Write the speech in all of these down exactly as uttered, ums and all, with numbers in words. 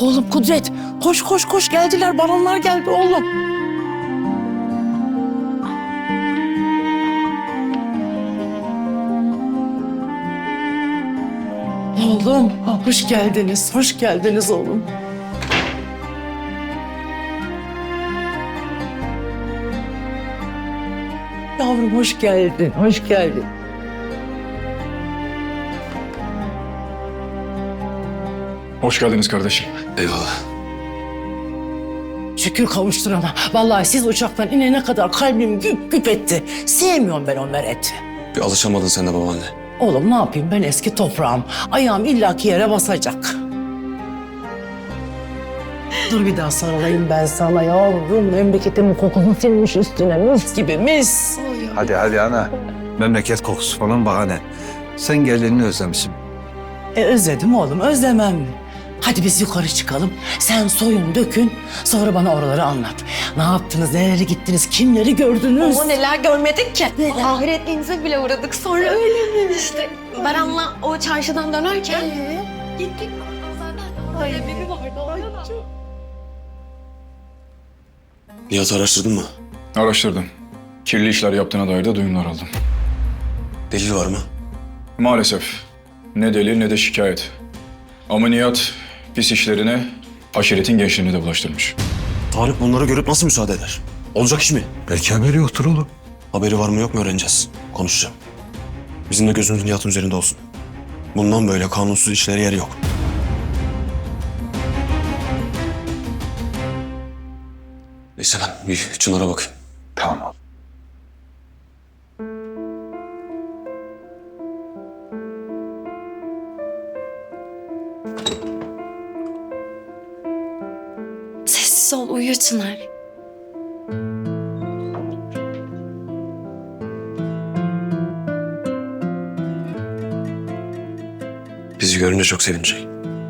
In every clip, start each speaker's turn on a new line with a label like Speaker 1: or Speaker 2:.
Speaker 1: Oğlum Kudret, koş koş koş geldiler, baronlar geldi oğlum. Oğlum, hoş geldiniz, hoş geldiniz oğlum. Yavrum hoş geldin, hoş geldin.
Speaker 2: Hoş geldiniz kardeşim.
Speaker 3: Eyvallah.
Speaker 1: Şükür kavuşturana. Vallahi siz uçaktan inene kadar kalbim güp güp etti. Sevmiyorum ben o Meret'i.
Speaker 3: Bir alışamadın sen de babaanne.
Speaker 1: Oğlum ne yapayım, ben eski toprağım. Ayağım illaki yere basacak. Dur bir daha sarılayım ben sana yavrum. Memleketimin kokusunu silmiş üstüne, mis gibi mis.
Speaker 4: Hadi hadi ana. Memleket kokusu falan bahane. Sen gelinini özlemişsin.
Speaker 1: E özledim oğlum, özlemem mi? Hadi biz yukarı çıkalım. Sen soyun dökün, sonra bana oraları anlat. Ne yaptınız, nereye gittiniz, kimleri gördünüz?
Speaker 5: Ama neler görmedik ki. Ahiretliğinize bile uğradık sonra. Öyle mi? İşte Baran'la o çarşıdan dönerken gittik. Ay biri vardı orada da.
Speaker 3: Nihat'ı araştırdın mı?
Speaker 2: Araştırdım. Kirli işler yaptığına dair de duyumlar aldım.
Speaker 3: Delil var mı?
Speaker 2: Maalesef ne delil ne de şikayet. Ama Nihat pis işlerine aşiretin gençliğini de bulaştırmış.
Speaker 3: Tarık bunları görüp nasıl müsaade eder? Olacak iş mi?
Speaker 4: Belki haberi yoktur oğlum.
Speaker 3: Haberi var mı yok mu öğreneceğiz. Konuşacağım. Bizim de gözümüz Nihat'ın üzerinde olsun. Bundan böyle kanunsuz işlere yer yok. Neyse ben bir Çınar'a bakayım.
Speaker 4: Tamam oğlum.
Speaker 5: Sessiz ol, uyu Çınar.
Speaker 3: Bizi görünce çok sevinecek.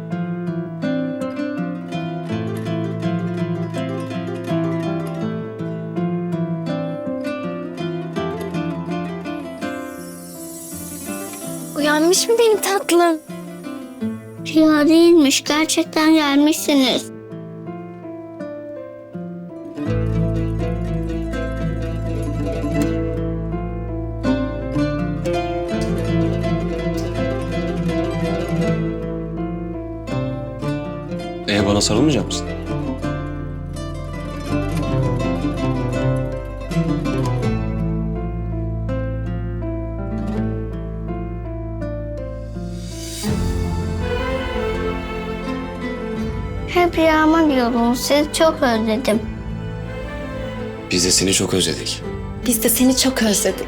Speaker 5: Uyanmış mı benim tatlım?
Speaker 6: Rüya değilmiş, gerçekten gelmişsiniz.
Speaker 3: Ee bana sarılmayacak mısın?
Speaker 6: Hep rüyama diyordunuz, sizi çok özledim.
Speaker 3: Biz de seni çok özledik.
Speaker 5: Biz de seni çok özledik.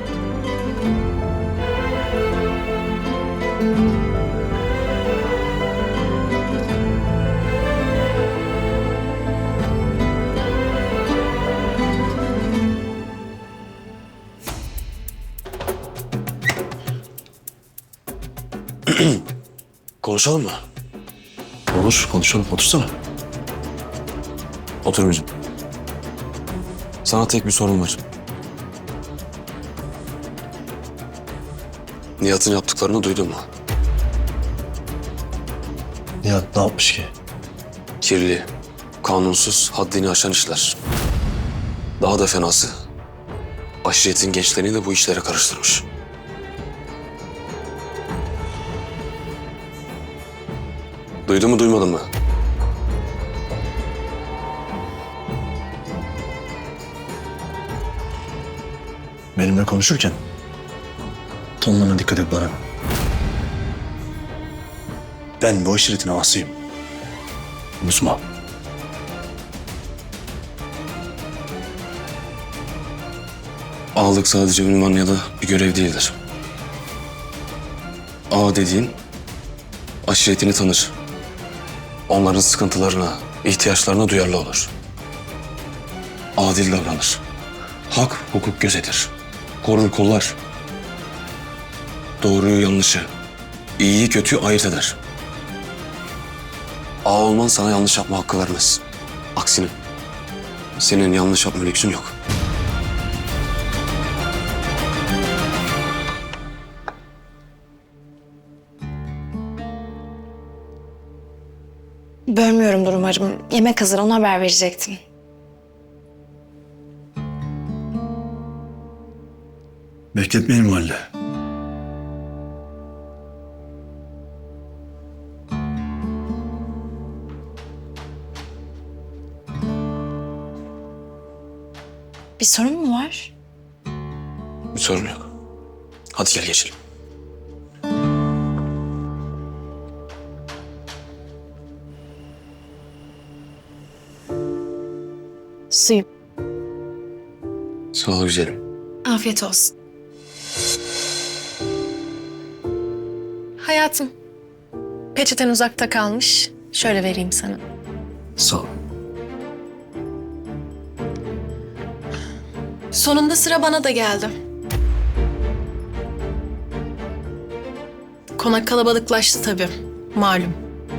Speaker 3: Konuşalım mı? Olur, konuşalım. Otursana. Otur bizim. Sana tek bir sorun var. Nihat'ın yaptıklarını duydun mu?
Speaker 7: Nihat ne yapmış ki?
Speaker 3: Kirli, kanunsuz, haddini aşan işler. Daha da fenası, aşiretin gençlerini de bu işlere karıştırmış. Duydun mu, duymadın mı?
Speaker 7: Benimle konuşurken tonlarına dikkat et bana. Ben bu aşiretin ağasıyım. Unutma.
Speaker 3: Ağalık sadece ünvan ya da bir görev değildir. Ağa dediğin aşiretini tanır. Onların sıkıntılarına, ihtiyaçlarına duyarlı olur. Adil davranır. Hak, hukuk gözetir. Korur kollar. Doğruyu yanlışı, iyiyi kötüyü ayırt eder. Ağa olman sana yanlış yapma hakkı vermez. Aksine senin yanlış yapma lüksün yok.
Speaker 5: Bölmüyorumdur umarım. Yemek hazır, ona haber verecektim.
Speaker 7: Bekletmeyelim o halde.
Speaker 5: Bir sorun mu var?
Speaker 3: Bir sorun yok. Hadi gel geçelim.
Speaker 5: Suyum.
Speaker 3: Sağ ol güzelim.
Speaker 5: Afiyet olsun. Hayatım, peçeten uzakta kalmış. Şöyle vereyim sana.
Speaker 3: Sağ ol.
Speaker 5: Sonunda sıra bana da geldi. Konak kalabalıklaştı tabii. Malum.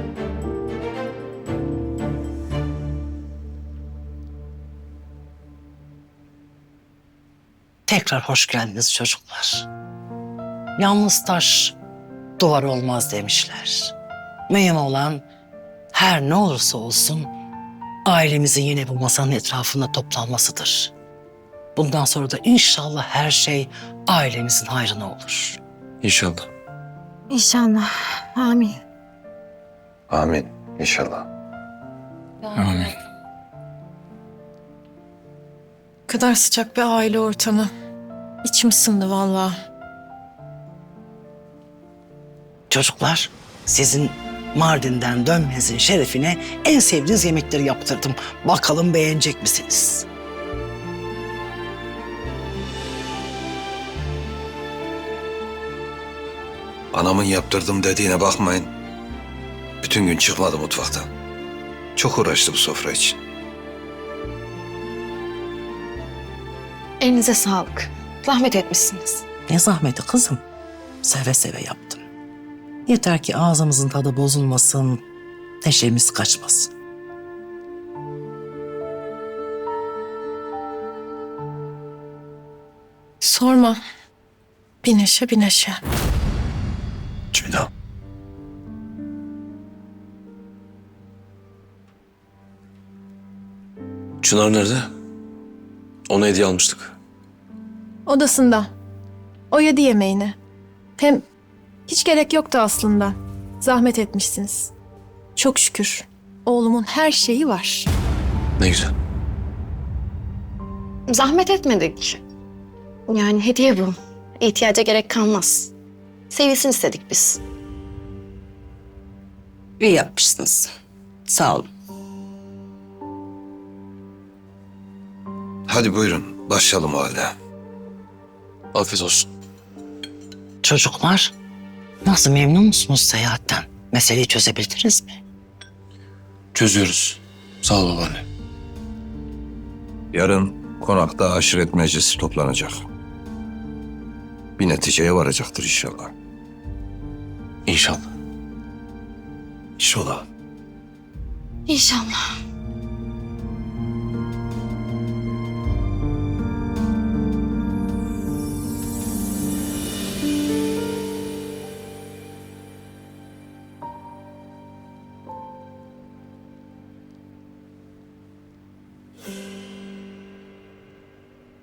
Speaker 1: Tekrar hoş geldiniz çocuklar. Yalnız taş duvar olmaz demişler. Mühim olan her ne olursa olsun ailemizin yine bu masanın etrafında toplanmasıdır. Bundan sonra da inşallah her şey ailemizin hayrına olur.
Speaker 3: İnşallah.
Speaker 5: İnşallah. Amin.
Speaker 4: Amin inşallah.
Speaker 2: Amin.
Speaker 5: Ne kadar sıcak bir aile ortamı. İçim ısındı vallahi.
Speaker 1: Çocuklar, sizin Mardin'den dönmenizin şerefine en sevdiğiniz yemekleri yaptırdım. Bakalım beğenecek misiniz?
Speaker 4: Anamın yaptırdım dediğine bakmayın. Bütün gün çıkmadı mutfaktan. Çok uğraştı bu sofra için.
Speaker 5: Elinize sağlık. Zahmet etmişsiniz.
Speaker 1: Ne zahmeti kızım. Seve seve yaptım. Yeter ki ağzımızın tadı bozulmasın, neşemiz kaçmasın.
Speaker 5: Sorma. Bir neşe bir neşe.
Speaker 7: Ceyda.
Speaker 3: Çınar nerede? Ona hediye almıştık.
Speaker 8: Odasında. O yedi yemeğini. Hem hiç gerek yoktu aslında. Zahmet etmişsiniz. Çok şükür. Oğlumun her şeyi var.
Speaker 3: Ne güzel.
Speaker 5: Zahmet etmedik. Yani hediye bu. İhtiyaca gerek kalmaz. Sevilsin istedik biz.
Speaker 1: İyi yapmışsınız. Sağ olun.
Speaker 4: Hadi buyurun başlayalım o halde.
Speaker 3: Afiyet olsun.
Speaker 1: Çocuklar, nasıl memnun musunuz seyahatten? Meseleyi çözebildiniz mi?
Speaker 3: Çözüyoruz. Sağ ol babaanne.
Speaker 4: Yarın konakta aşiret meclisi toplanacak. Bir neticeye varacaktır inşallah.
Speaker 3: İnşallah.
Speaker 7: İnşallah.
Speaker 5: İnşallah.